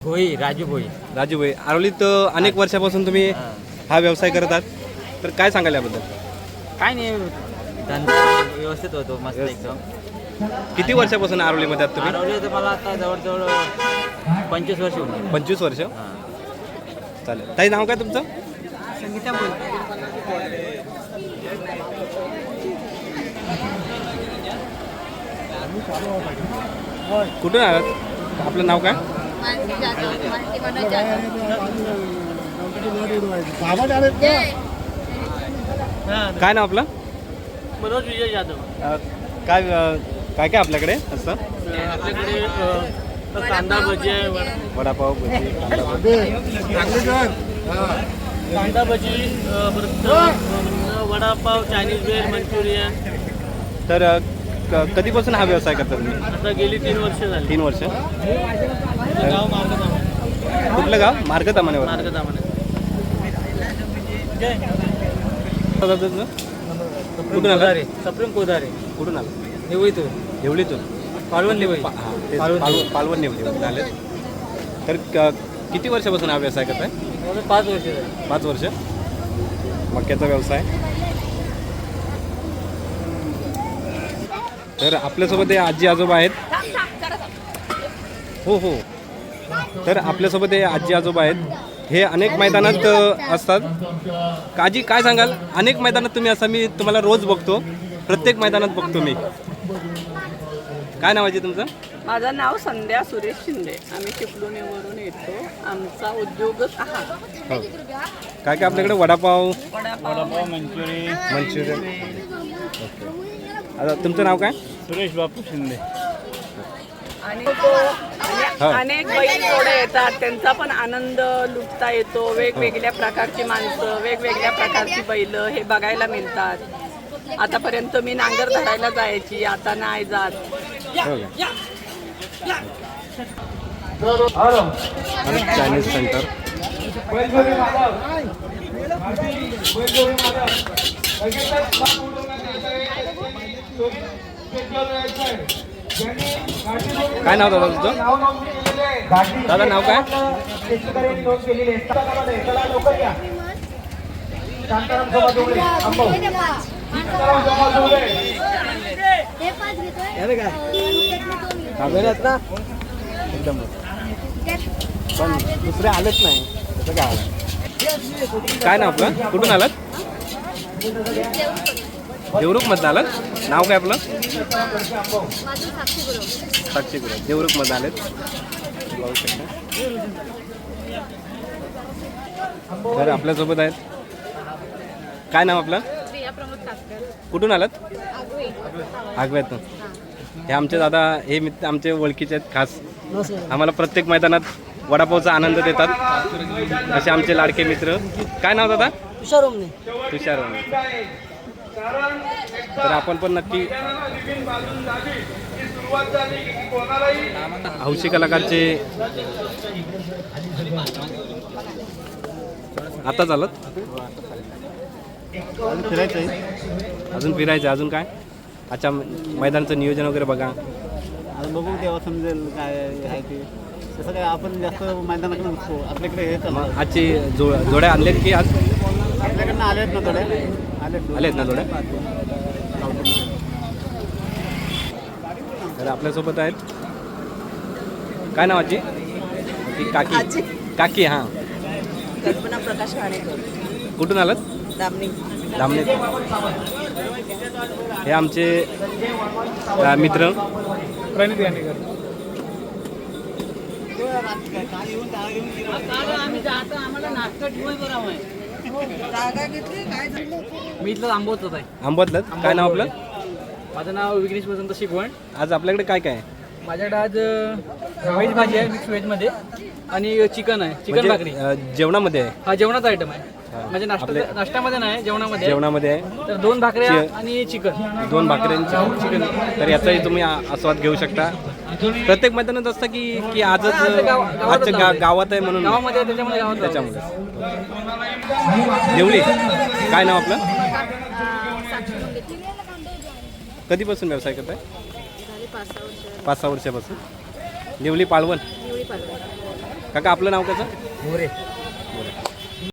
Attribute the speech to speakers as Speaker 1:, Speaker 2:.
Speaker 1: भोई, राजू भोई.
Speaker 2: राजू भाई, आरोलीत अनेक वर्षापासून तुम्ही हा व्यवसाय करत आहात, तर काय सांगाल याबद्दल?
Speaker 1: काय नाही, धंदा व्यवस्थित होतो मस्त एकदम.
Speaker 2: किती वर्षापासून आरोलीमध्ये आहात तुम्ही?
Speaker 1: आरवली तर मला आता जवळजवळ 25 वर्ष होती.
Speaker 2: 25 वर्ष. चालेल. ताई, नाव काय तुमचं?
Speaker 1: संगीता बोल.
Speaker 2: कुठून आलात? आपलं नाव काय? काय नाव आपलं?
Speaker 1: मनोज विजय जाधव.
Speaker 2: काय काय काय आपल्याकडे असतं?
Speaker 1: आपल्याकडे कांदा भजी आहे,
Speaker 2: वडापाव, भजी, कांदा भजी.
Speaker 1: कांदा भजी, परत वडापाव, चायनीज वेज, मंचुरियन.
Speaker 2: तर कधीपासून हा व्यवसाय करता तुम्ही?
Speaker 1: आता गेली 3 वर्ष झाली.
Speaker 2: 3 वर्ष.
Speaker 1: गाव मार्गदामन.
Speaker 2: कुठलं गाव? मार्गदामनेवर.
Speaker 1: मार्गदामन.
Speaker 2: कुठून आला?
Speaker 1: सप्रेम कोदारे.
Speaker 2: कुठून आला?
Speaker 1: निवळीतून.
Speaker 2: देवळीतून.
Speaker 1: पालवण निवळी.
Speaker 2: पालवण निवडी आले. तर किती वर्षापासून हा व्यवसाय करताय?
Speaker 1: 5 वर्ष झाली.
Speaker 2: 5 वर्ष. मक्याचा व्यवसाय. तर आपल्यासोबत हे आजी आजोबा आहेत. हो हो. तर आपल्यासोबत हे आजी आजोबा आहेत. हे अनेक मैदानात असतात. आजी, काय सांगाल? अनेक मैदानात तुम्ही असं, मी तुम्हाला रोज बघतो, प्रत्येक मैदानात बघतो मी. काय नाव आहे तुमचं?
Speaker 3: माझं नाव संध्या सुरेश शिंदे. आम्ही चिपळूणवरून येतो. आमचा उद्योगच हा.
Speaker 2: हो. काय काय आपल्याकडे? वडापाव,
Speaker 1: मंचुरियन.
Speaker 2: ओके. आता तुमचं नाव काय?
Speaker 1: सुरेश बापू शिंदे.
Speaker 3: आणि अनेक बैल जोडे येतात, त्यांचा पण आनंद लुटता येतो. वेगवेगळ्या प्रकारची माणसं, वेगवेगळ्या प्रकारची बैल हे बघायला मिळतात. आतापर्यंत मी नांगर धरायला जायची, आता नाही जात.
Speaker 2: Chinese centre. काय नाव दादा तुझं? दादा नाव काय? एकदम. पण दुसरे आलेच नाही. कसं काय आलं? काय नाव आपलं? कुठून आलात? देवरुख मधनं आलात? नाव काय आपलं? साक्षी गुरु. देवरुख मधनं आलेत. तर आपल्यासोबत आहेत. काय नाव आपलं? कुठून आलात? आगव्यातून. हे आमचे दादा, हे मित्र आमचे ओळखीचे आहेत खास. आम्हाला प्रत्येक मैदानात वडापावचा आनंद देतात, असे आमचे लाडके मित्र. काय नाव दादा? तुषार ओमने. तर आपण पण नक्की हौशी कलाकारचे आता चालत. अजून फिरायचं. अजून काय? अच्छा, मैदानाचं नियोजन वगैरे बघा.
Speaker 4: आता बघू तेव्हा समजेल काय आहे ते. तसं काय आपण जास्त मैदानाकडे नसतो. आपल्याकडे हे चालतं.
Speaker 2: आजची जोड्या आणलेत की आज?
Speaker 4: आपल्याकडनं आलेत ना थोड्या.
Speaker 2: आलेत ना जोड्या? तर आपल्यासोबत आहेत. काय नाव आजी? काकी. काकी. हां.
Speaker 3: कल्पना प्रकाश खाणेकर.
Speaker 2: कुठून आलात?
Speaker 3: दामणी.
Speaker 2: हे आमचे मित्र.
Speaker 1: प्रणित गाणेकर. मी इथलं आंबवत आहे.
Speaker 2: आंबतलं. काय नाव आपलं?
Speaker 1: माझं नाव विघ्नेश वसंत शिकवण.
Speaker 2: आज आपल्याकडे काय काय आहे?
Speaker 1: माझ्याकडे आज व्हेज भाजी आहे, मिक्स व्हेजमध्ये, आणि चिकन आहे, चिकन भाकरी.
Speaker 2: जेवणामध्ये आहे?
Speaker 1: हा जेवणाचा आयटम आहे. म्हणजे नाश्त्यामध्ये नाही, जेवणामध्ये
Speaker 2: आहे.
Speaker 1: तर 2 भाकऱ्या आणि चिकन.
Speaker 2: 2 भाकऱ्यांचं चिकन. तर याचाही तुम्ही आस्वाद घेऊ शकता. प्रत्येक मैदानात असतं की आजच आजच्या गावात आहे म्हणून?
Speaker 1: गावामध्ये, त्याच्यामुळे.
Speaker 2: देवळी. काय नाव आपलं? कधीपासून व्यवसाय करताय?
Speaker 5: 5-6 वर्ष.
Speaker 2: 5-6 वर्षापासून. निवली पाळवण. काका आपलं नाव कसं?
Speaker 5: मोरे